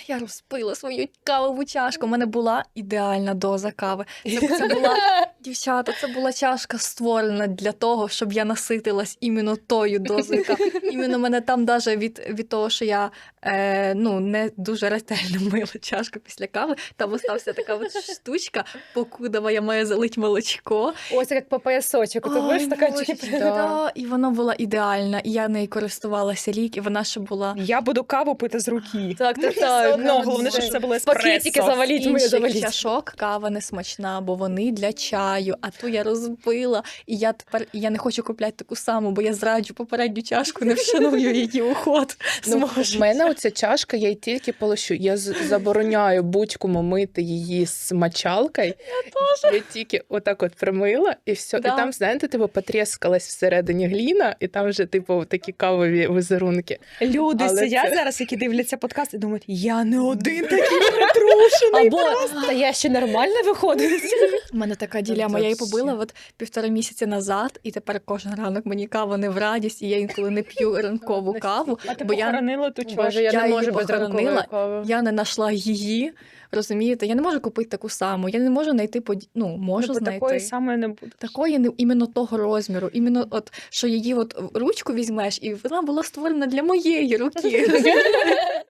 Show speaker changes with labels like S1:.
S1: я розпила свою кавову чашку. У мене була ідеальна доза кави. Це була, дівчата, це була чашка створена для того, щоб я наситилась іменно тою дозою кави. Іменно мене там даже від того, що я не дуже ретельно мила чашку після кави, там остався така от штучка, покудова я маю залить молочко.
S2: Ось як по поясочок. Ти будеш стаканчики.
S1: Да. І вона була ідеальна, і я нею користувалася рік, і вона ще була...
S3: Я буду каву пити з руки.
S2: Так.
S3: Ну, головне, щоб це було еспресо.
S2: Пакетики заваліть, ми
S1: інших
S2: заваліть.
S1: чашок кава не смачна, бо вони для чаю, а ту я розбила, і я не хочу купляти таку саму, бо я зраджу попередню чашку, не вшаную її уход.
S4: В мене оця чашка, я її тільки полощу. Я забороняю будь-кому мити її з мочалкою. Я тільки отак от примила, і все.
S1: Да.
S4: І там, знаєте, потріскалась всередині гліна, і там вже, такі кавові візерунки.
S3: Люди
S4: Але
S3: сидять
S4: це-
S3: зараз, які дивляться подкаст, і думають, я не один такий притрушений.
S2: Або та я ще нормально виходить.
S1: У мене така ділема, я її побила от 1,5 місяця назад, і тепер кожен ранок мені кава не в радість, і я інколи не п'ю ранкову каву,
S3: А ти
S1: бо я
S3: похоронила ту чашку.
S2: Боже, я не
S1: її
S2: можу без ранкової
S1: похоронила.
S2: кави.
S1: Я не знайшла її, розумієте? Я не можу купити таку саму, я не можу знайти, можу
S3: Ну, бо
S1: знайти.
S3: такої саме не буде.
S1: Такої не іменно того розміру, іменно от що її от в ручку візьмеш, і вона була створена для моєї руки.